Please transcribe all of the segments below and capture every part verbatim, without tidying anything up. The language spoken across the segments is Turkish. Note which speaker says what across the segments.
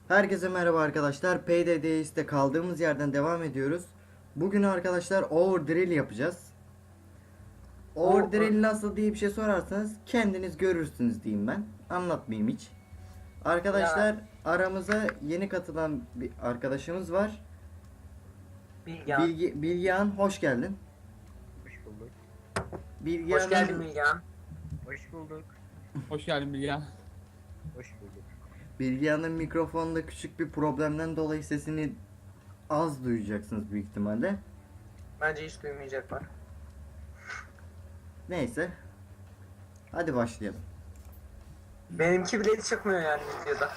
Speaker 1: Herkese merhaba arkadaşlar. P D D S'te kaldığımız yerden devam ediyoruz. Bugün arkadaşlar Overdrill yapacağız. Overdrill nasıl diye bir şey sorarsanız kendiniz görürsünüz diyeyim ben. Anlatmayayım hiç. Arkadaşlar
Speaker 2: Ya.
Speaker 1: aramıza yeni katılan bir arkadaşımız var.
Speaker 2: Bilgehan.
Speaker 1: Bilgi, Bilgehan hoş geldin.
Speaker 3: Hoş bulduk.
Speaker 1: Bilgehan'ın,
Speaker 2: Hoş geldin Bilgehan.
Speaker 3: Hoş bulduk.
Speaker 4: Hoş geldin Bilgehan.
Speaker 3: Hoş bulduk.
Speaker 1: Bilgehan'ın mikrofonda küçük bir problemden dolayı sesini az duyacaksınız büyük ihtimalle.
Speaker 2: Bence hiç duymayacaklar.
Speaker 1: Neyse. Hadi başlayalım.
Speaker 2: Benimki bile hiç çıkmıyor yani videoda.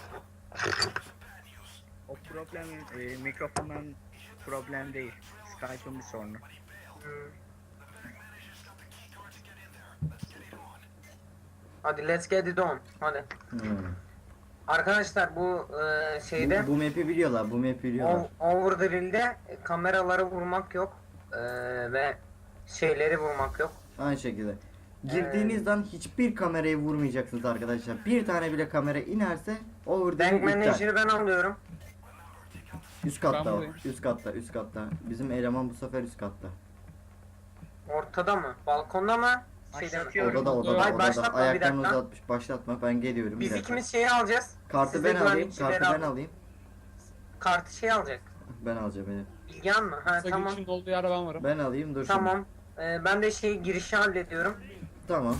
Speaker 3: O problem e, mikrofondan problem değil. Skype'ın bir sorunu.
Speaker 2: Hmm. Hadi let's get it on. Hadi.
Speaker 1: Hmm.
Speaker 2: Arkadaşlar bu e, şeyde
Speaker 1: Bu, bu map'i biliyorlar, bu map'i biliyorlar.
Speaker 2: o- Overdrill'de kameraları vurmak yok e, ve şeyleri vurmak yok.
Speaker 1: Aynı şekilde. Girdiğinizden hiçbir kamerayı vurmayacaksınız arkadaşlar. Bir tane bile kamera inerse
Speaker 2: Bank
Speaker 1: overdrill iptal.
Speaker 2: Manager'ı ben alıyorum.
Speaker 1: Üst katta
Speaker 4: Ben
Speaker 1: o.
Speaker 4: buradayım.
Speaker 1: Üst katta, üst katta. Bizim eleman bu sefer üst katta.
Speaker 2: Ortada mı? Balkonda mı? Şeyde mi?
Speaker 3: Başlatıyorum.
Speaker 1: Odada, odada,
Speaker 2: Ay,
Speaker 1: odada.
Speaker 2: başlatma, bir
Speaker 1: Ayaklarını
Speaker 2: dakika.
Speaker 1: uzatmış. Başlatma, ben geliyorum. bir
Speaker 2: Biz
Speaker 1: dakika.
Speaker 2: ikimiz şeyi alacağız.
Speaker 1: Kartı
Speaker 2: Siz de
Speaker 1: ben alayım,
Speaker 2: güvenlikçileri
Speaker 1: kartı ben
Speaker 2: alın.
Speaker 1: alayım.
Speaker 2: Kartı şey alacak.
Speaker 1: Ben alacağım beni.
Speaker 2: Bilgehan mı? Ha
Speaker 4: Kısa
Speaker 2: tamam.
Speaker 4: girişin olduğu yerde ben varım.
Speaker 1: Ben alayım, dur şimdi.
Speaker 2: Tamam. Ee, ben de şey girişi hallediyorum.
Speaker 1: Tamam.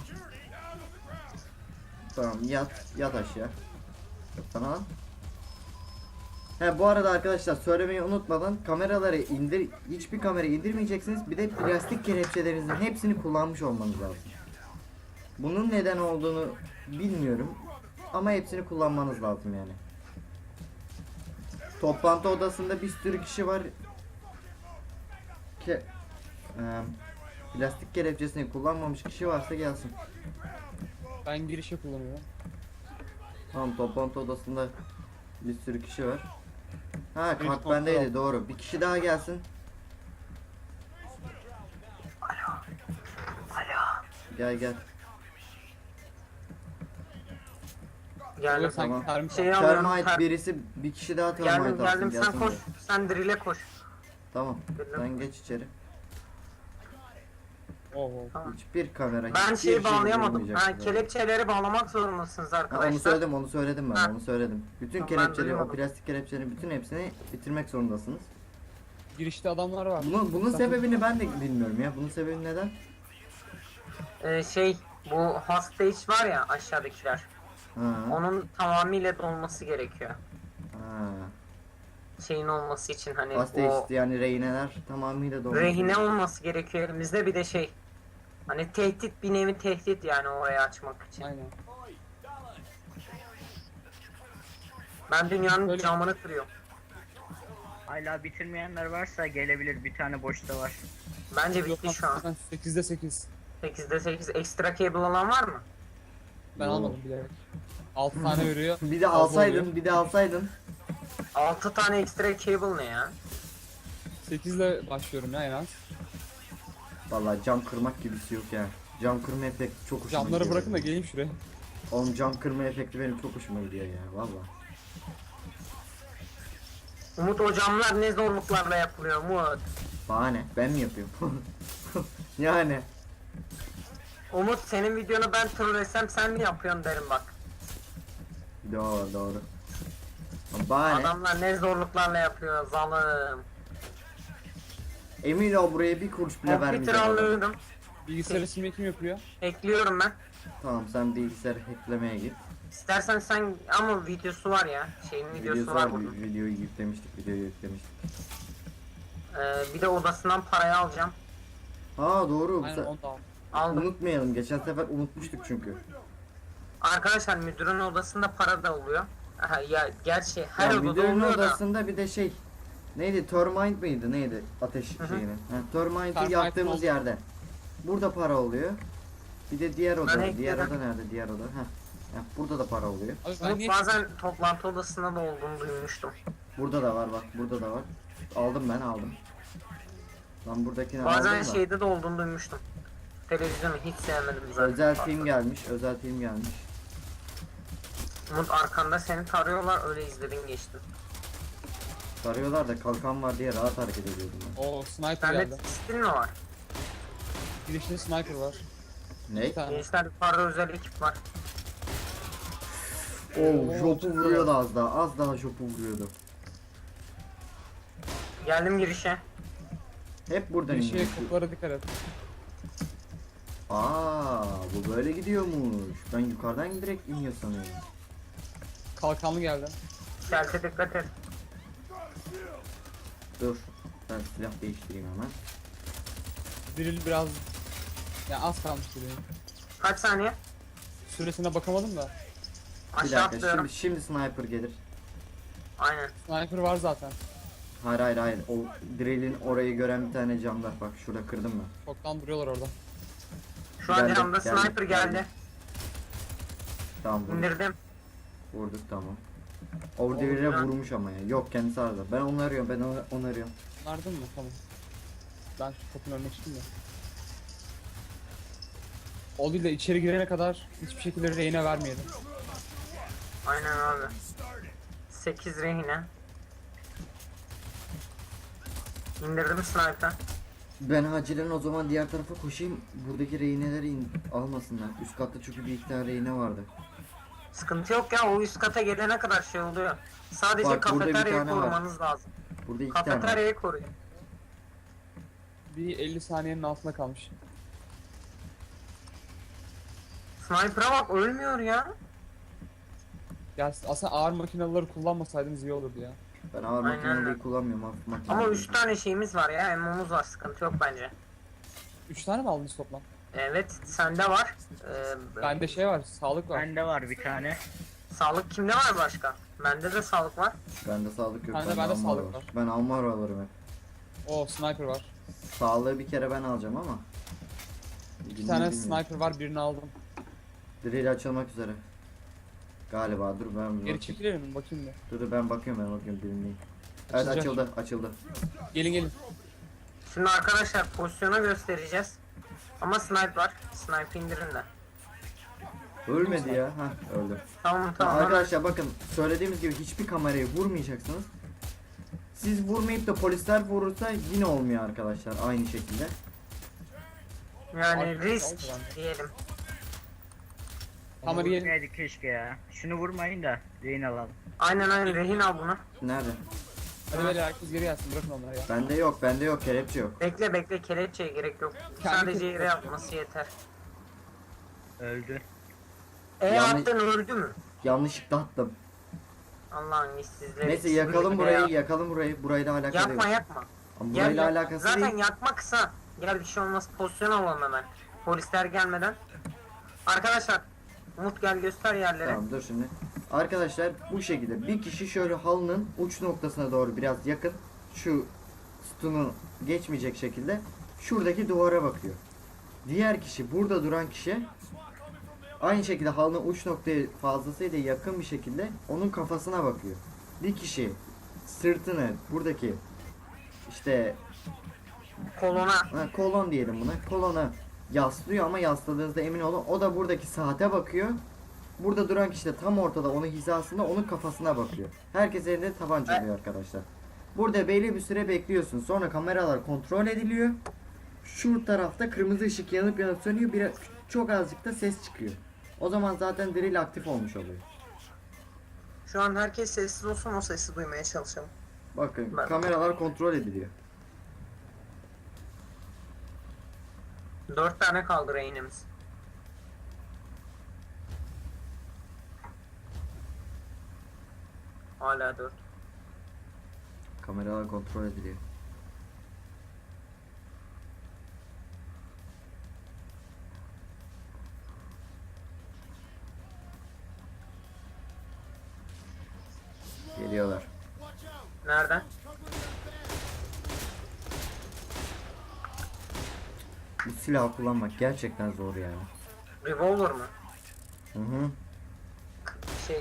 Speaker 1: Tamam, yat, yat aşağı. Yatsana lan. He bu arada arkadaşlar söylemeyi unutmadan kameraları indir, hiçbir kamerayı indirmeyeceksiniz. Bir de plastik kelepçelerinizin hepsini kullanmış olmanız lazım. Bunun neden olduğunu bilmiyorum ama hepsini kullanmanız lazım yani. Toplantı odasında bir sürü kişi var. Ke e, plastik kelepçesini kullanmamış kişi varsa gelsin.
Speaker 4: Ben girişe kullanıyorum.
Speaker 1: Tamam, toplantı odasında bir sürü kişi var. Ha,
Speaker 4: Bir
Speaker 1: kart
Speaker 4: kontrol.
Speaker 1: bendeydi, doğru. Bir kişi daha gelsin.
Speaker 2: Alo.
Speaker 1: Gel gel.
Speaker 2: Geldim.
Speaker 4: Olur sanki
Speaker 1: tamam.
Speaker 4: termik
Speaker 2: Şey
Speaker 4: var.
Speaker 2: alıyorum.
Speaker 1: Termite
Speaker 2: ter-
Speaker 1: birisi, bir kişi daha termite
Speaker 2: Geldim
Speaker 1: alsın,
Speaker 2: geldim. Sen
Speaker 1: gelsin
Speaker 2: koş.
Speaker 1: buraya.
Speaker 2: Sen drill'e koş.
Speaker 1: Tamam,
Speaker 2: Geldim.
Speaker 1: sen geç içeri.
Speaker 4: Oo.
Speaker 2: Tamam.
Speaker 1: Hiçbir kamera,
Speaker 2: Ben
Speaker 1: hiçbir
Speaker 2: şeyi
Speaker 1: şey
Speaker 2: bağlayamadım. Ha,
Speaker 1: vurmayacaksınız.
Speaker 2: kelepçeleri bağlamak zorundasınız
Speaker 1: Ha,
Speaker 2: arkadaşlar.
Speaker 1: onu söyledim, onu söyledim ben,
Speaker 2: Ha.
Speaker 1: onu söyledim. Bütün
Speaker 2: Tamam, ben
Speaker 1: kelepçeleri, o
Speaker 2: duymadım.
Speaker 1: plastik kelepçelerin bütün hepsini bitirmek zorundasınız.
Speaker 4: Girişte adamlar var.
Speaker 1: Bunun, bunun sebebini ben de bilmiyorum ya. Bunun sebebi neden?
Speaker 2: Ee, şey bu hostage var ya aşağıdakiler.
Speaker 1: Ha.
Speaker 2: Onun tamamıyla dolması gerekiyor.
Speaker 1: Ha.
Speaker 2: Şeyin olması için hani
Speaker 1: Hostage
Speaker 2: o
Speaker 1: yani rehineler tamamıyla dolmuş.
Speaker 2: rehine olması gerekiyor elimizde, bir de şey hani tehdit, bir nevi tehdit yani orayı açmak için.
Speaker 4: Aynen.
Speaker 2: Ben dünyanın
Speaker 4: Böyle-
Speaker 2: camını kırıyorum.
Speaker 3: Hala bitirmeyenler varsa gelebilir. Bir tane boşta var.
Speaker 2: Bence
Speaker 4: Yok
Speaker 2: bitti
Speaker 4: lan,
Speaker 2: şu an.
Speaker 4: zaten sekizde sekiz.
Speaker 2: sekizde sekiz ekstra cable alan var mı?
Speaker 4: Ben
Speaker 1: Yo.
Speaker 4: almadım bilerek. altı tane veriyor.
Speaker 1: Bir de
Speaker 4: Fazla
Speaker 1: alsaydın,
Speaker 4: oluyor.
Speaker 1: bir de alsaydın.
Speaker 2: altı tane ekstra cable ne ya?
Speaker 4: sekizle başlıyorum ya en az.
Speaker 1: Vallahi cam kırmak gibisi yok ya. Cam kırma efekti çok hoşuma
Speaker 4: Camları
Speaker 1: gidiyor.
Speaker 4: bırakın da geleyim şuraya.
Speaker 1: Oğlum cam kırma efekti benim çok hoşuma gidiyor ya valla.
Speaker 2: Umut, o camlar ne zorluklarla yapılıyor Umut?
Speaker 1: Bahane, ben mi yapıyorum? Yani.
Speaker 2: Umut, senin videonu ben trollesem sen mi yapıyorsun derim bak.
Speaker 1: Doğru doğru. Bahane.
Speaker 2: Adamlar ne zorluklarla yapıyor zalim.
Speaker 1: Emin ol buraya bir kuruş bile
Speaker 2: Computer
Speaker 1: vermeyeceğim. adam.
Speaker 2: alıyorum.
Speaker 4: Bilgisayarı silmeyi kim yapıyor?
Speaker 2: Ekliyorum ben.
Speaker 1: Tamam, sen bilgisayarı hacklemeye git.
Speaker 2: İstersen sen, ama videosu var ya. Şeyin videosu,
Speaker 1: Videosu
Speaker 2: var
Speaker 1: var,
Speaker 2: bunun.
Speaker 1: videoyu yüklemiştik, videoyu yüklemiştik.
Speaker 2: Ee, bir de odasından parayı alacağım.
Speaker 1: Ha doğru.
Speaker 4: Aynen
Speaker 1: Sen-
Speaker 4: onu da al.
Speaker 2: Aldım.
Speaker 1: Unutmayalım, geçen sefer unutmuştuk çünkü.
Speaker 2: Arkadaşlar müdürün odasında para da oluyor. Aha, ya gerçi her
Speaker 1: Ya
Speaker 2: odada
Speaker 1: müdürün
Speaker 2: oluyor da.
Speaker 1: odasında bir de şey neydi, termite mıydı neydi ateş
Speaker 2: Hı hı.
Speaker 1: şeyini. Ha, termite'i
Speaker 4: Termite
Speaker 1: yaktığımız
Speaker 4: oldu.
Speaker 1: yerde. Burada para oluyor. Bir de diğer oda.
Speaker 2: Ben
Speaker 1: Diğer
Speaker 2: ekledim.
Speaker 1: oda nerede? Diğer oda. Heh. Ya burada da para oluyor.
Speaker 4: Abi ben
Speaker 2: Umut,
Speaker 4: niye
Speaker 2: bazen toplantı odasında da olduğunu duymuştum.
Speaker 1: Burada da var bak. Burada da var. Aldım ben aldım. Lan buradakini
Speaker 2: Bazen
Speaker 1: aldım da.
Speaker 2: şeyde de olduğunu duymuştum. Televizyonu hiç sevmedim zaten.
Speaker 1: Özel team gelmiş. Özel team gelmiş.
Speaker 2: Umut arkanda seni tarıyorlar, öyle izledin geçtin.
Speaker 1: Sarıyorlar da kalkan var diye rahat hareket ediyordum ben.
Speaker 4: O sniper
Speaker 2: Sende
Speaker 4: geldi.
Speaker 2: stil mi var?
Speaker 4: Girişinde sniper var.
Speaker 1: Ne?
Speaker 4: Bir tane.
Speaker 2: Gençler yukarıda özel ekip var.
Speaker 1: Oo, jopu vuruyordu az daha. Az daha jopu vuruyordu.
Speaker 2: Geldim girişe.
Speaker 1: Hep buradan
Speaker 4: Girişe
Speaker 1: iniyor.
Speaker 4: kapılara dikkat et.
Speaker 1: Aa, bu böyle gidiyormuş. Ben yukarıdan direkt iniyor sanıyorum.
Speaker 4: Kalkanlı geldi.
Speaker 2: Stealth'e dikkat et.
Speaker 1: Dur. Ben silah değiştireyim hemen.
Speaker 4: Drill biraz... Ya az kalmış drill.
Speaker 2: Kaç saniye?
Speaker 4: Süresine bakamadım da.
Speaker 1: Bir
Speaker 2: Aşağı
Speaker 1: dakika.
Speaker 2: atlıyorum.
Speaker 1: Şimdi, şimdi sniper gelir.
Speaker 2: Aynen.
Speaker 4: Sniper var zaten.
Speaker 1: Hayır hayır hayır. O drill'in orayı gören bir tane cam var. Bak şurada kırdım ben.
Speaker 4: Çoktan duruyorlar orada.
Speaker 2: Şu an
Speaker 1: Geldi,
Speaker 2: yanımda
Speaker 1: geldi,
Speaker 2: sniper geldi.
Speaker 1: geldi. Tamam vurduk.
Speaker 2: İndirdim.
Speaker 1: Vurduk tamam. Overdevil'e
Speaker 2: Oldu.
Speaker 1: vurmuş ama ya. Yok kendisi arada. Ben onu arıyorum. Ben onu, onu arıyorum.
Speaker 4: Vardın mı? Tamam. Ben şu kapının önüne çıktım da. O değil de içeri girene kadar hiçbir şekilde rehine vermeyelim.
Speaker 2: Aynen abi. sekiz rehine. İndirdim sniper.
Speaker 1: Ben acilen o zaman diğer tarafa koşayım. Buradaki rehineleri in- almasınlar. Üst katta çünkü bir iki tane rehine vardı.
Speaker 2: Sıkıntı yok ya, o üst kata gelene kadar şey oluyor. Sadece
Speaker 1: Bak, burada bir
Speaker 2: kafeteryayı
Speaker 1: tane var.
Speaker 2: korumanız lazım.
Speaker 1: Burada iki tane var.
Speaker 2: Kafeteryayı koruyun.
Speaker 4: Bir elli saniyenin altında kalmış.
Speaker 2: Sniper'a bak, ölmüyor ya.
Speaker 4: Ya aslında ağır makinaları kullanmasaydınız iyi olurdu ya.
Speaker 1: Ben ağır
Speaker 2: Aynen
Speaker 1: makineleri
Speaker 2: öyle.
Speaker 1: kullanmıyorum. Hafif makine.
Speaker 2: Ama üç tane şeyimiz var ya, emmomuz var, sıkıntı yok bence.
Speaker 4: Üç tane mi aldınız toplam?
Speaker 2: Evet, sende var. Ee,
Speaker 4: Bende şey var, sağlık var.
Speaker 3: Bende var bir tane.
Speaker 2: Sağlık kimde var başka? Bende de sağlık var.
Speaker 1: Bende sağlık yok.
Speaker 4: Bende-
Speaker 1: bende
Speaker 4: bende
Speaker 1: Almar
Speaker 4: sağlık var.
Speaker 1: Ben Almar alırım hep.
Speaker 4: O sniper var.
Speaker 1: Sağlığı bir kere ben alacağım ama.
Speaker 4: İki tane sniper var, birini aldım.
Speaker 1: Drill açılmak üzere. Galiba dur ben
Speaker 4: Geri
Speaker 1: bakayım.
Speaker 4: çekilir mi? Bakayım bir.
Speaker 1: Dur dur ben bakıyorum ben bakıyorum dinleyin. Evet
Speaker 4: Açılacak.
Speaker 1: açıldı açıldı.
Speaker 4: Gelin gelin.
Speaker 2: Şimdi arkadaşlar pozisyonu göstereceğiz. Ama sniper var. Sniper indirin de.
Speaker 1: Ölmedi ya. Hah öldü.
Speaker 2: Tamam
Speaker 1: Ya
Speaker 2: tamam.
Speaker 1: arkadaşlar bakın söylediğimiz gibi hiçbir kamerayı vurmayacaksınız. Siz vurmayıp da polisler vurursa yine olmuyor arkadaşlar aynı şekilde.
Speaker 2: Yani
Speaker 4: Arkadaşlar,
Speaker 2: risk
Speaker 4: oldu bende.
Speaker 2: diyelim.
Speaker 4: Kamerayı gelin.
Speaker 3: Vurmayaydık keşke ya. Şunu vurmayın da rehin alalım.
Speaker 2: Aynen aynen, rehin al bunu.
Speaker 1: Nerede?
Speaker 4: Hadi böyle herkes geri gelsin, bırakın onları ya.
Speaker 1: Bende yok bende yok kelepçe yok.
Speaker 2: Bekle bekle, kelepçeye gerek yok.
Speaker 4: Kendi
Speaker 2: Sadece
Speaker 4: kelepçe.
Speaker 2: yere yapması yeter.
Speaker 3: Öldü.
Speaker 2: E
Speaker 1: Yani-
Speaker 2: attın, öldü mü?
Speaker 1: Yanlışlıkla attım.
Speaker 2: Allah'ın işsizleri.
Speaker 1: Neyse yakalım
Speaker 2: Sizi
Speaker 1: burayı
Speaker 2: ya.
Speaker 1: yakalım burayı. Burayla alakalı
Speaker 2: Yakma
Speaker 1: yok.
Speaker 2: yakma.
Speaker 1: Ama
Speaker 2: Gel,
Speaker 1: burayla
Speaker 2: gel.
Speaker 1: alakası
Speaker 2: Zaten
Speaker 1: değil.
Speaker 2: yakma kısa. Gel bir şey olmaz, pozisyon alalım hemen. Polisler gelmeden. Arkadaşlar Umut gel göster yerleri.
Speaker 1: Tamam dur şimdi. Arkadaşlar bu şekilde bir kişi şöyle halının uç noktasına doğru biraz yakın. Şu sütunu geçmeyecek şekilde şuradaki duvara bakıyor. Diğer kişi burada duran kişi aynı şekilde halının uç noktaya fazlasıyla yakın bir şekilde onun kafasına bakıyor. Bir kişi sırtını buradaki işte
Speaker 2: Kolona.
Speaker 1: ha, kolon diyelim buna. Kolona yaslıyor ama yasladığınızda emin olun. O da buradaki saate bakıyor. Burada duran kişi de tam ortada onun hizasında onun kafasına bakıyor. Herkes elinde tabanca oluyor arkadaşlar. Burada belli bir süre bekliyorsun. Sonra kameralar kontrol ediliyor. Şu tarafta kırmızı ışık yanıp yanıp sönüyor. Bir, çok azıcık da ses çıkıyor. O zaman zaten drill aktif olmuş oluyor.
Speaker 2: Şu an herkes sessiz olsun, o sesi duymaya çalışalım.
Speaker 1: Bakın
Speaker 2: Ben-
Speaker 1: kameralar kontrol ediliyor.
Speaker 2: Dört tane kaldı rehinimiz. Hala dört.
Speaker 1: Kameralar kontrol ediliyor. Geliyorlar.
Speaker 2: Nereden?
Speaker 1: Bu silahı kullanmak gerçekten zor ya.
Speaker 2: Revolver mı?
Speaker 1: Hı hı.
Speaker 2: Şey.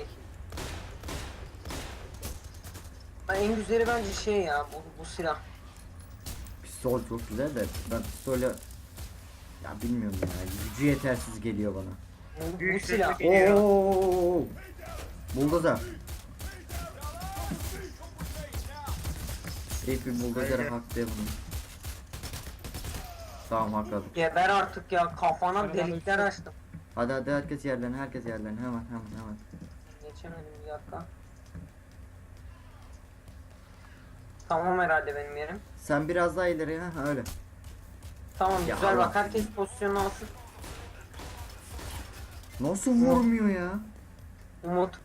Speaker 2: Ha, en güzeli bence şey ya, bu, bu silah.
Speaker 1: Pistol çok güzel de ben pistolle ya bilmiyorum ya gücü yetersiz geliyor bana.
Speaker 2: Bu, bu
Speaker 3: Büyük
Speaker 2: silah.
Speaker 3: sesle- Geliyor.
Speaker 1: Oo! Buldozer. İlk bir buldozere
Speaker 3: Öyle.
Speaker 1: hak diye bunu. Tamam hakladık.
Speaker 2: Geber artık ya, kafana
Speaker 4: Hadi bana
Speaker 2: delikler
Speaker 4: üstü.
Speaker 2: açtım.
Speaker 1: Hadi hadi herkes yerlerine, herkes yerlerine, hemen hemen hemen.
Speaker 2: Geçemedim bir dakika. Tamam herhalde benim yerim.
Speaker 1: Sen biraz daha ileri, ha öyle.
Speaker 2: Tamam
Speaker 1: Ya
Speaker 2: güzel
Speaker 1: Allah.
Speaker 2: bak, herkes pozisyonunu alsın.
Speaker 1: Nasıl vurmuyor ya?
Speaker 2: Umut.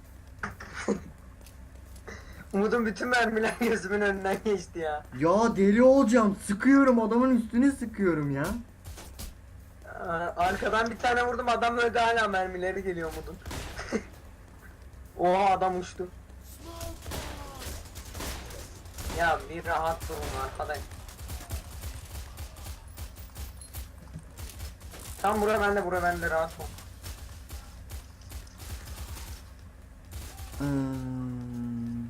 Speaker 2: Umut'un bütün mermiler gözümün önünden geçti ya.
Speaker 1: Ya deli olacağım. Sıkıyorum, adamın üstüne sıkıyorum ya.
Speaker 2: Ee, Arkadan bir tane vurdum, adam öldü, hala mermileri geliyor Umut'un. Oha, adam uçtu. Ya bir rahat durun arkadaş. Tam bura bende, bura bende, rahat ol.
Speaker 1: Hmm.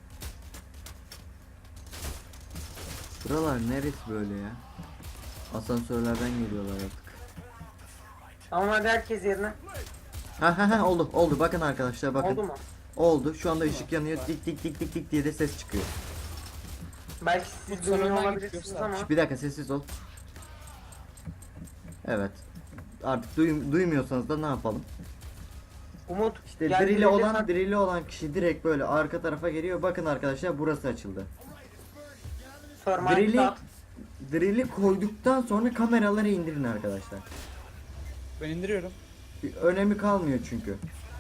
Speaker 1: Buralar neresi böyle ya? Asansörlerden geliyorlar artık.
Speaker 2: Tamam hadi herkes yerine.
Speaker 1: Ha ha ha oldu oldu, bakın arkadaşlar bakın.
Speaker 2: Oldu mu?
Speaker 1: Oldu. Şu anda ışık yanıyor. Dik dik dik dik dik diye de ses çıkıyor.
Speaker 2: Belki siz
Speaker 4: Umut,
Speaker 2: duymuyor
Speaker 4: sonradan
Speaker 2: olabilirsiniz
Speaker 4: gidiyorsa.
Speaker 2: ama.
Speaker 1: Şş, bir dakika sessiz ol. Evet. Artık duy- duymuyorsanız da ne yapalım?
Speaker 2: Umut
Speaker 1: İşte
Speaker 2: gel
Speaker 1: drill'i
Speaker 2: birlikte
Speaker 1: olan
Speaker 2: tak-
Speaker 1: drill'i olan kişi direkt böyle arka tarafa geliyor. Bakın arkadaşlar, burası açıldı.
Speaker 2: Thermite
Speaker 1: Drill'i
Speaker 2: dağıt.
Speaker 1: drill'i koyduktan sonra kameraları indirin arkadaşlar.
Speaker 4: Ben indiriyorum.
Speaker 1: Bir önemi kalmıyor çünkü.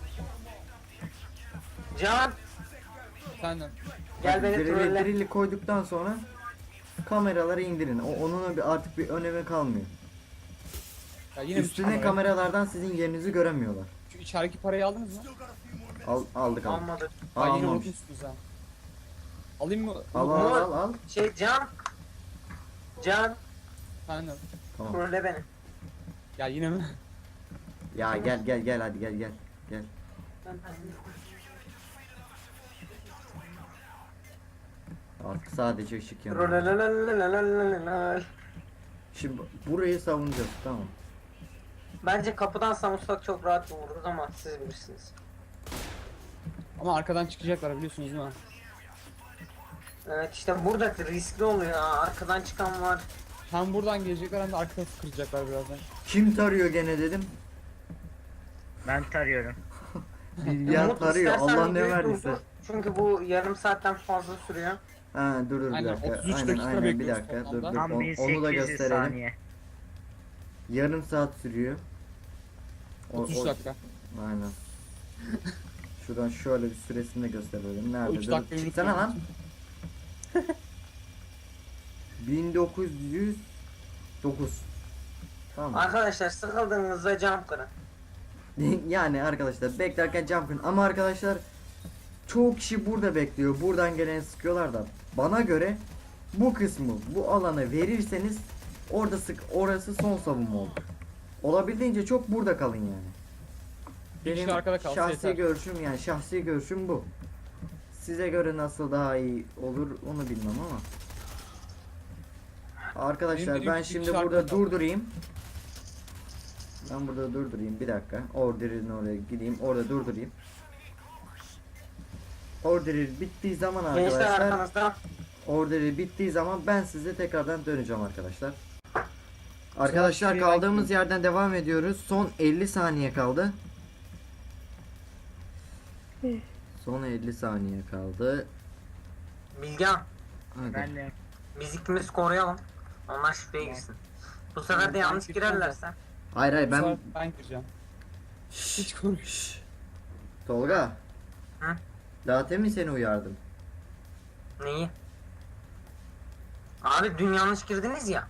Speaker 2: Can
Speaker 4: Senden.
Speaker 2: gel
Speaker 1: Bak,
Speaker 2: beni
Speaker 1: drill'i,
Speaker 2: trolle.
Speaker 1: drill'i koyduktan sonra kameraları indirin. O, onun bir, artık bir önemi kalmıyor.
Speaker 4: Ya yine bir
Speaker 1: Üstüne
Speaker 4: kamera.
Speaker 1: kameralardan sizin yerinizi göremiyorlar.
Speaker 4: Şu içerideki parayı aldınız mı?
Speaker 1: Al, aldık aldık.
Speaker 2: Almadı.
Speaker 1: Aa,
Speaker 4: Aa, yine
Speaker 1: almamış.
Speaker 4: unutmuşsunuz ha. Alayım mı?
Speaker 1: Al al al al.
Speaker 2: Şey Can. Can
Speaker 4: Senden.
Speaker 1: Tamam.
Speaker 2: trolle beni.
Speaker 4: Ya yine mi?
Speaker 1: Ya gel gel gel hadi gel gel. Gel. Artık sadece ışık yanıyor.
Speaker 2: Trollelelelelelelelelel.
Speaker 1: Şimdi burayı savunacağız, tamam.
Speaker 2: Bence kapıdan savunsak çok rahat vururuz ama siz bilirsiniz.
Speaker 4: Ama arkadan çıkacaklar biliyorsunuz değil mi?
Speaker 2: Evet işte burada riskli oluyor ya. Arkadan çıkan var.
Speaker 4: Hem buradan gelecekler hem de arka tarafı kıracaklar birazdan.
Speaker 1: Kim tarıyor gene dedim.
Speaker 3: Ben tarıyorum.
Speaker 1: Bir yer
Speaker 2: Umut,
Speaker 1: tarıyor,
Speaker 2: istersen
Speaker 1: Allah ne
Speaker 2: videoyu
Speaker 1: verdiyse.
Speaker 2: durdur. Çünkü bu yarım saatten fazla sürüyor.
Speaker 1: Ha dur dur bir
Speaker 4: Aynen,
Speaker 1: dakika.
Speaker 4: otuz üç
Speaker 1: Aynen
Speaker 4: dakika
Speaker 1: aynen bir
Speaker 4: bekliyoruz
Speaker 1: dakika. Dur
Speaker 4: toplamda.
Speaker 1: dur.
Speaker 3: Tam
Speaker 1: On- onu da
Speaker 3: bin sekiz yüz
Speaker 1: gösterelim.
Speaker 3: saniye.
Speaker 1: Yarım saat sürüyor. O-
Speaker 4: otuz üç
Speaker 1: o-
Speaker 4: dakika.
Speaker 1: Aynen. Şuradan şöyle bir süresini de gösterelim. Nerede?
Speaker 4: O üç
Speaker 1: Dur,
Speaker 4: dakikayı
Speaker 1: çıksana lan.
Speaker 4: unutmayın.
Speaker 1: bin dokuz yüz dokuz. Tamam.
Speaker 2: Arkadaşlar sıkıldığınızda cam kırın.
Speaker 1: Yani arkadaşlar beklerken jump kırın. Ama arkadaşlar çoğu kişi burada bekliyor. Buradan geleni sıkıyorlar da. Bana göre bu kısmı, bu alanı verirseniz orada sık, orası son savunma olur. Olabildiğince çok burada kalın yani.
Speaker 4: Bir kişi arkada kalsa
Speaker 1: şahsi
Speaker 4: yeter.
Speaker 1: görüşüm, yani şahsi görüşüm bu. Size göre nasıl daha iyi olur onu bilmem ama. Arkadaşlar
Speaker 4: Benim
Speaker 1: ben
Speaker 4: bir
Speaker 1: şimdi
Speaker 4: kişi
Speaker 1: burada
Speaker 4: arkada kaldı.
Speaker 1: durdurayım. Ben burada durdurayım bir dakika. Order'in oraya gideyim, orada durdurayım. Order bittiği zaman
Speaker 2: Gençler
Speaker 1: arkadaşlar,
Speaker 2: arkanızda.
Speaker 1: order bittiği zaman ben size tekrardan döneceğim arkadaşlar. Arkadaşlar
Speaker 4: şuraya
Speaker 1: kaldığımız yerden devam ediyoruz. Son elli saniye kaldı. Son elli saniye kaldı.
Speaker 2: Bilgehan.
Speaker 1: Hadi.
Speaker 3: Ben de
Speaker 2: Biz ikimiz koruyalım. Onlar şifreye girsin. Bu sefer de
Speaker 4: Ben
Speaker 2: yanlış
Speaker 4: gireceğim
Speaker 2: girerlerse.
Speaker 1: Hayır hayır
Speaker 4: Ben...
Speaker 1: ben...
Speaker 4: ben gireceğim. Hiç konuş.
Speaker 1: Tolga.
Speaker 2: Hı?
Speaker 1: Daha temin seni uyardım.
Speaker 2: Neyi? Abi dün yanlış girdiniz ya.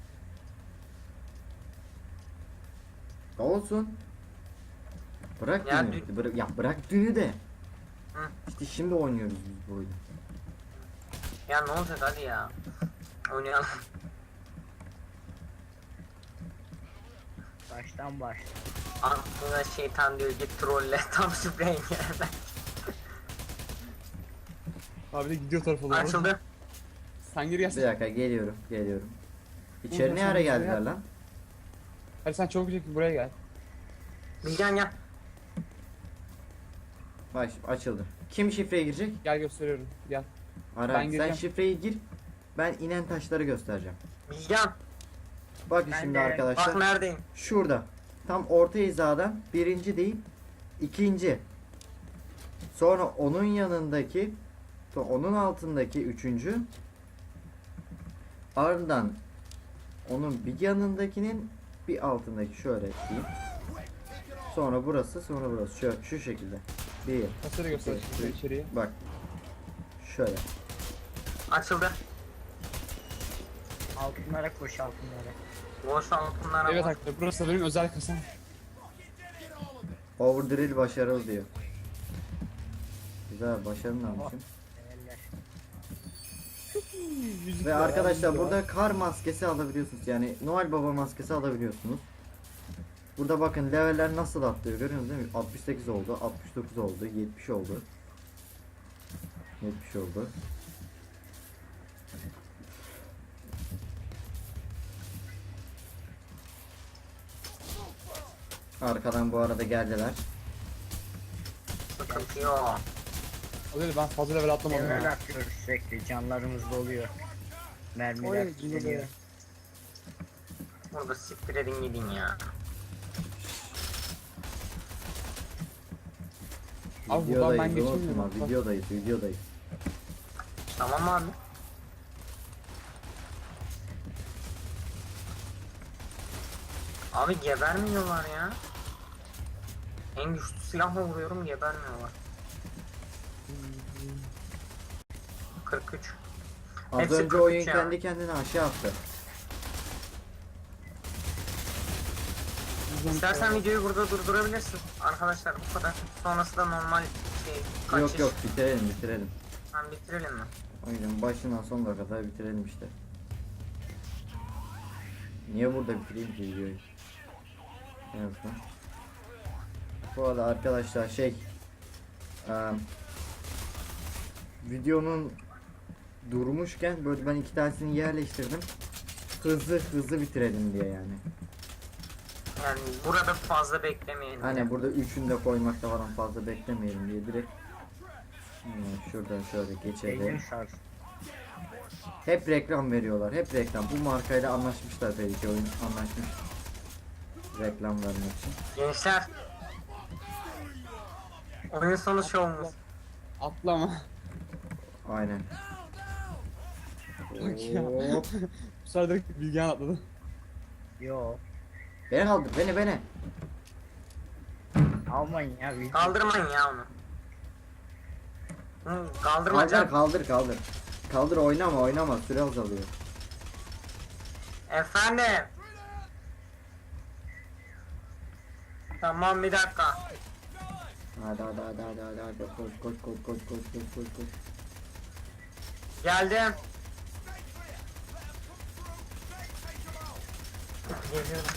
Speaker 1: Olsun. Bırak
Speaker 2: Ya
Speaker 1: dünü. Bıra- ya bırak dünü de.
Speaker 2: Hı.
Speaker 1: İşte şimdi oynuyoruz biz bu oyunu.
Speaker 2: Ya ne olacak hadi ya. Oynayalım.
Speaker 3: baştan baş.
Speaker 2: Aklına şeytan diyor git trolle tam şifreye girerler.
Speaker 4: Abi de gidiyor tarafa doğru.
Speaker 2: Açıldı.
Speaker 4: Sen gir
Speaker 1: Bir
Speaker 4: gelsin.
Speaker 1: dakika geliyorum geliyorum. İçeri
Speaker 4: Oğlum,
Speaker 1: ne
Speaker 4: sen
Speaker 1: ara
Speaker 4: de
Speaker 1: geldiler
Speaker 4: şuraya-
Speaker 1: lan?
Speaker 4: Hadi sen çabuk çek buraya gel.
Speaker 2: Bilgehan gel.
Speaker 1: Bak şimdi açıldı. Kim şifreye girecek?
Speaker 4: Gel gösteriyorum. Gel.
Speaker 1: Ara
Speaker 4: Ben
Speaker 1: sen
Speaker 4: gireceğim.
Speaker 1: şifreyi gir. Ben inen taşları göstereceğim.
Speaker 2: Bilgen.
Speaker 1: Bakın
Speaker 3: Ben
Speaker 1: şimdi
Speaker 3: de-
Speaker 1: arkadaşlar.
Speaker 2: Bak neredeyim.
Speaker 1: Şurada. Tam orta hizadan birinci değil, ikinci. Sonra onun yanındaki, to- onun altındaki üçüncü. Ardından onun bir yanındakinin bir altındaki şöyle diyeyim. Sonra burası, sonra burası. Şu, şu şekilde. Bir.
Speaker 4: Kasayı göster
Speaker 1: Evet,
Speaker 4: şimdi
Speaker 1: evet.
Speaker 4: içeriye.
Speaker 1: Bak. Şöyle.
Speaker 2: Açıldı.
Speaker 3: Altınlara koş altınlara.
Speaker 2: Boş altınlara
Speaker 4: Evet
Speaker 2: bak.
Speaker 4: arkadaşlar burası da benim özel kasam.
Speaker 1: Overdrill başarılı diyor. Güzel, başarılı almışım.
Speaker 3: Eller.
Speaker 4: Müzik
Speaker 1: Ve
Speaker 4: var,
Speaker 1: arkadaşlar
Speaker 4: müzik var.
Speaker 1: burada kar maskesi alabiliyorsunuz. Yani Noel Baba maskesi alabiliyorsunuz. Burada bakın leveller nasıl atlıyor görüyorsunuz değil mi? altmış sekiz oldu, altmış dokuz oldu, yetmiş oldu. yetmiş oldu. Arkadan bu arada geldiler.
Speaker 2: Sıkıntı yok.
Speaker 4: Hadi ben fazla level atlamadım
Speaker 3: Level
Speaker 4: ya.
Speaker 3: atlıyoruz sürekli. Canlarımız doluyor. Mermiler
Speaker 4: Oy,
Speaker 3: tükeniyor.
Speaker 2: Burada siktir edin gidin ya.
Speaker 4: Abi buradan ben
Speaker 1: Videodayız,
Speaker 4: geçemiyorum.
Speaker 1: unutma,
Speaker 4: Bak.
Speaker 1: videodayız, videodayız.
Speaker 2: Tamam abi. Abi gebermiyorlar ya. En güçlü silahla vuruyorum gebermiyorlar. kırk üç.
Speaker 1: Az
Speaker 2: Hepsi
Speaker 1: önce oyun
Speaker 2: kırk üç ya.
Speaker 1: kendi kendine aşağı attı.
Speaker 2: İstersen videoyu burada durdurabilirsin. Arkadaşlar bu kadar. Sonrası da normal şey kaçış.
Speaker 1: Yok yok, bitirelim bitirelim.
Speaker 2: Ben bitirelim mi?
Speaker 1: Oyunun başından sonuna kadar bitirelim işte. Niye burada bitireyim ki videoyu? En azından. Bu arada arkadaşlar şey eee, videonun durmuşken böyle ben iki tanesini yerleştirdim. Hızlı hızlı bitirelim diye yani.
Speaker 2: Yani burada fazla beklemeyin.
Speaker 1: Hani burada üçünü de koymakta falan fazla beklemeyelim diye direkt hmm, şuradan şöyle
Speaker 3: Elim
Speaker 1: geçelim.
Speaker 3: sar.
Speaker 1: Hep reklam veriyorlar. Hep reklam. Bu markayla anlaşmışlar belki, oyun anlaşmış. Reklam vermek için.
Speaker 2: Gençler. Oyun sonu şovumuz.
Speaker 4: Atlama.
Speaker 1: Aynen.
Speaker 4: Bak ya.
Speaker 1: Oo.
Speaker 4: Bu sefer direkt Bilgehan atladı.
Speaker 3: Yo.
Speaker 1: Beni kaldır, beni beni.
Speaker 3: Almayın ya. video.
Speaker 2: Kaldırmayın ya onu. Hı,
Speaker 1: Kaldır
Speaker 2: kaldırmayacağım.
Speaker 1: kaldır kaldır. Kaldır, oynama oynama, süre azalıyor.
Speaker 2: Efendim. Tamam bir dakika.
Speaker 1: Hadi hadi hadi hadi hadi hadi koş koş koş koş koş koş koş koş.
Speaker 2: Geldim. Geliyorum.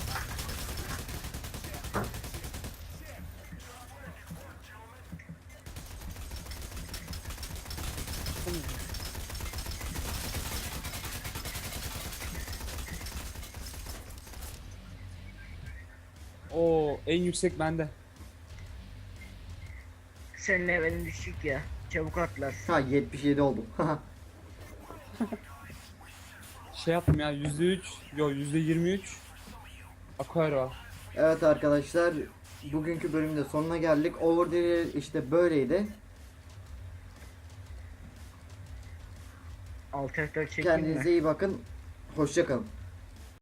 Speaker 4: Oo en yüksek bende.
Speaker 3: Senin levelin düşük ya. Çabuk atlar.
Speaker 1: Ha yetmiş yedi oldu.
Speaker 4: Şey yaptım ya yüzde üç. Yo yüzde yirmi üç. Aquario var.
Speaker 1: Evet arkadaşlar, bugünkü bölümde sonuna geldik. Overdrill işte böyleydi.
Speaker 3: Alt F dört çekeyim mi?
Speaker 1: Kendinize iyi bakın. Hoşça kalın.